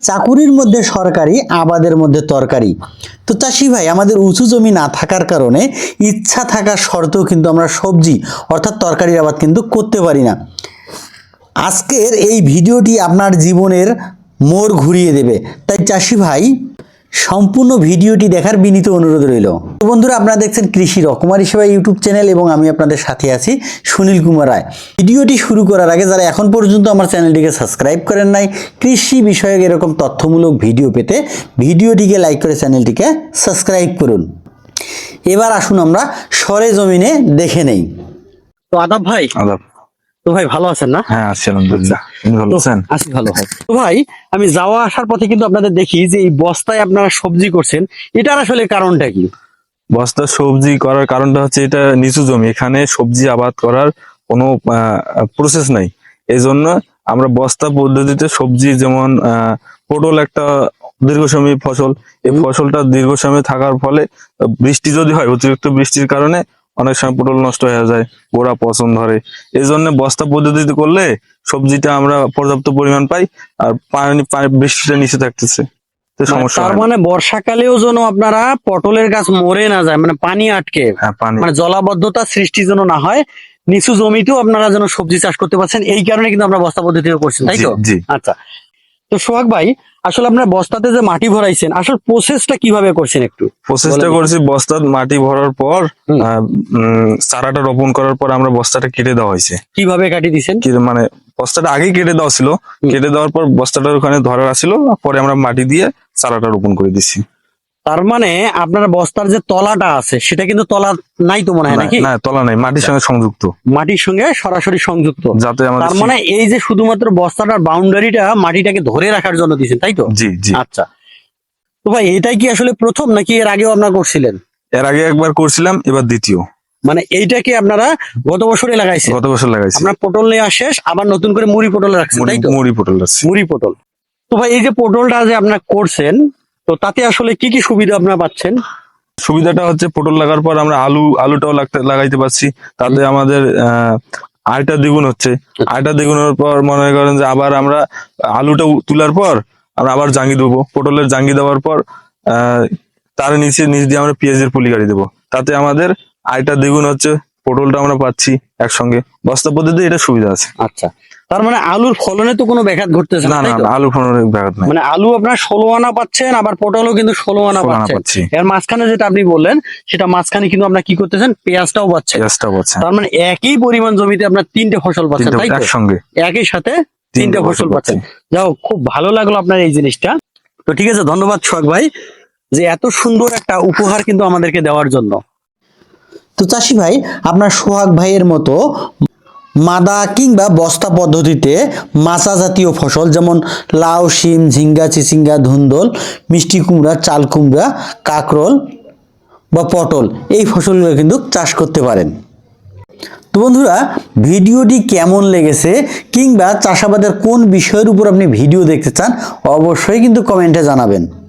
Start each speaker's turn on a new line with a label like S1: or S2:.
S1: চাকুরির মধ্যে সরকারি, আবাদের মধ্যে তরকারি। তো চাষি ভাই, আমাদের উঁচু জমি না থাকার কারণে ইচ্ছা থাকা সত্ত্বেও কিন্তু আমরা সবজি অর্থাৎ তরকারির আবাদ কিন্তু করতে পারি না। আজকের এই ভিডিওটি আপনার জীবনের মোড় ঘুরিয়ে দেবে, তাই চাষি ভাই সম্পূর্ণ ভিডিওটি দেখার বিনীত অনুরোধ রইল। তো বন্ধুরা, আপনারা দেখছেন কৃষি রকমারি সেবা ইউটিউব চ্যানেল এবং আমি আপনাদের সাথে আছি সুনীল কুমার রায়। ভিডিওটি শুরু করার আগে যারা এখন পর্যন্ত আমার চ্যানেলটিকে সাবস্ক্রাইব করেন নাই, কৃষি বিষয়ক এরকম তথ্যমূলক ভিডিও পেতে ভিডিওটিকে লাইক করে চ্যানেলটিকে সাবস্ক্রাইব করুন। এবার আসুন আমরা সরেজমিনে দেখে নেই। তো আদাব ভাই।
S2: আদাব।
S1: তো ভাই ভালো আছেন না?
S2: হ্যাঁ আছি আলহামদুলিল্লাহ। আপনি ভালো আছেন?
S1: আছি ভালো ভাই। তো ভাই, আমি যাওয়া আসার পথে কিন্তু আপনাদের দেখি যে এই বস্তায় আপনারা সবজি করছেন, এটার আসলে কারণটা কি?
S2: বস্তা সবজি করার কারণটা হচ্ছে এটা নিচু জমি, এখানে সবজি আবাদ করার কোনো প্রসেস নাই। এই জন্য আমরা বস্তা পদ্ধতিতে সবজি, যেমন পটল একটা দীর্ঘসময়ী ফসল, এই ফসলটা দীর্ঘসময় থাকার ফলে বৃষ্টি যদি হয়, অতিরিক্ত বৃষ্টির কারণে অনেক সময় পটল নষ্ট হয়ে যায়, গোড়া পচন ধরে। এই জন্য বস্তা পদ্ধতিতে করলে সবজিটা আমরা পর্যাপ্ত পরিমাণ পাই, আর বৃষ্টিটা নিচে থাকতেছে, তো সমস্যা
S1: তার
S2: হয় না।
S1: মানে বর্ষাকালেও যেন আপনারা পটলের গাছ মরে না যায়, মানে পানি আটকে,
S2: হ্যাঁ, পানি
S1: মানে জলাবদ্ধতা সৃষ্টি যেন না হয়, নিচু জমিতেও আপনারা যেন সবজি চাষ করতে পারছেন, এই কারণে কিন্তু আমরা বস্তা পদ্ধতিতে করছি, তাই তো?
S2: জি।
S1: আচ্ছা, তো সোহাগ ভাই, আসলে আপনারা বস্তাতে যে মাটি ভরাইছেন, আসলে প্রসেসটা কিভাবে করছেন একটু?
S2: প্রসেসটা করেছি, বস্তার মাটি ভরার পর চারাটা রোপণ করার পর আমরা বস্তাটা কেটে দেওয়া হয়েছে।
S1: কিভাবে কাটি দিছেন?
S2: মানে বস্তাটা আগেই কেটে দেওয়া ছিল, কেটে দেওয়ার পর বস্তাটা ওখানে ধরার ছিল, পরে আমরা মাটি দিয়ে চারাটা রোপণ করে দিচ্ছি।
S1: তার মানে আপনার বস্তার যে তলাটা আছে সেটা কিন্তু তলা নাই তো মনে হয়, নাকি?
S2: না, তলা নাই, মাটির সঙ্গে সংযুক্ত,
S1: মাটির সঙ্গে সরাসরি সংযুক্ত,
S2: যাতে আমাদের
S1: তার মানে এই যে শুধুমাত্র বস্তাটার বাউন্ডারিটা মাটিটাকে ধরে রাখার জন্য দিয়েছেন, তাই তো?
S2: জি জি।
S1: আচ্ছা, তো ভাই এটাই কি আসলে প্রথম, নাকি এর আগেও আপনারা করছিলেন?
S2: এর আগে একবার করছিলাম, এবার দ্বিতীয়।
S1: মানে এইটাকে আপনারা গত বছরে লাগাইছেন?
S2: গত বছর লাগাইছি।
S1: আপনার পটল নেওয়া শেষ, আবার নতুন করে মুড়ি পটল রাখছেন, তাই তো?
S2: মুড়ি পটল আছে।
S1: মুড়ি পটল। তো ভাই, এই যে পটলটা যে আপনারা করছেন, তো তাতে আসলে কি কি সুবিধা আপনারা পাচ্ছেন?
S2: সুবিধাটা হচ্ছে পটল লাগার পর আমরা আলুটাও লাগাইতে পারছি, তাতে আমাদের আয়টা দ্বিগুণ হচ্ছে। আয়টা দ্বিগুণের পর মনে করেন যে আবার আমরা আলুটা তোলার পর আমরা আবার জাঙ্গি দেবো, পটলের জাঙ্গি দেওয়ার পর তার নিচ দিয়ে আমরা পেঁয়াজের পুলি গাড়ি দেবো, তাতে আমাদের আয়টা দ্বিগুণ হচ্ছে, পটলটা আমরা পাচ্ছি একসঙ্গে। বস্তা পদ্ধতি এটা সুবিধা আছে।
S1: আচ্ছা, তার মানে আলুর ফলনে তো কোনো ব্যাঘাত ঘটতেছে
S2: না
S1: না,
S2: না, আলু ফলনের ব্যাঘাত নাই।
S1: মানে আলু আপনার 16 আনা পাচ্ছেন, আবার পটলও কিন্তু 16 আনা
S2: 16 আনা
S1: পাচ্ছেন।
S2: পাচ্ছি।
S1: এর মাঝখানে যেটা আপনি বললেন, সেটা মাঝখানে কিন্তু আপনার কি করতেছেন, পেঁয়াজটাও পাচ্ছেন।
S2: পেঁয়াজটা
S1: তার মানে একই পরিমাণ জমিতে আপনার 3টে ফসল পাচ্ছেন, তাই তো?
S2: একসঙ্গে
S1: একই সাথে 3টে ফসল পাচ্ছেন। যাও, খুব ভালো লাগলো আপনার এই জিনিসটা। তো ঠিক আছে, ধন্যবাদ সোহাগ ভাই, যে এত সুন্দর একটা উপহার কিন্তু আমাদেরকে দেওয়ার জন্য। তো চাষি ভাই, আপনার সোহাগ ভাইয়ের মতো মাদা কিংবা বস্তা পদ্ধতিতে মাচা জাতীয় ফসল যেমন লাউ, শিম, ঝিঙ্গা, চিচিঙ্গা, ধুন্দল, মিষ্টি কুমড়া, চাল কুমড়া, কাকরোল বা পটল, এই ফসলগুলো কিন্তু চাষ করতে পারেন। তো বন্ধুরা, ভিডিওটি কেমন লেগেছে কিংবা চাষাবাদের কোন বিষয়ের উপর আপনি ভিডিও দেখতে চান, অবশ্যই কিন্তু কমেন্টে জানাবেন।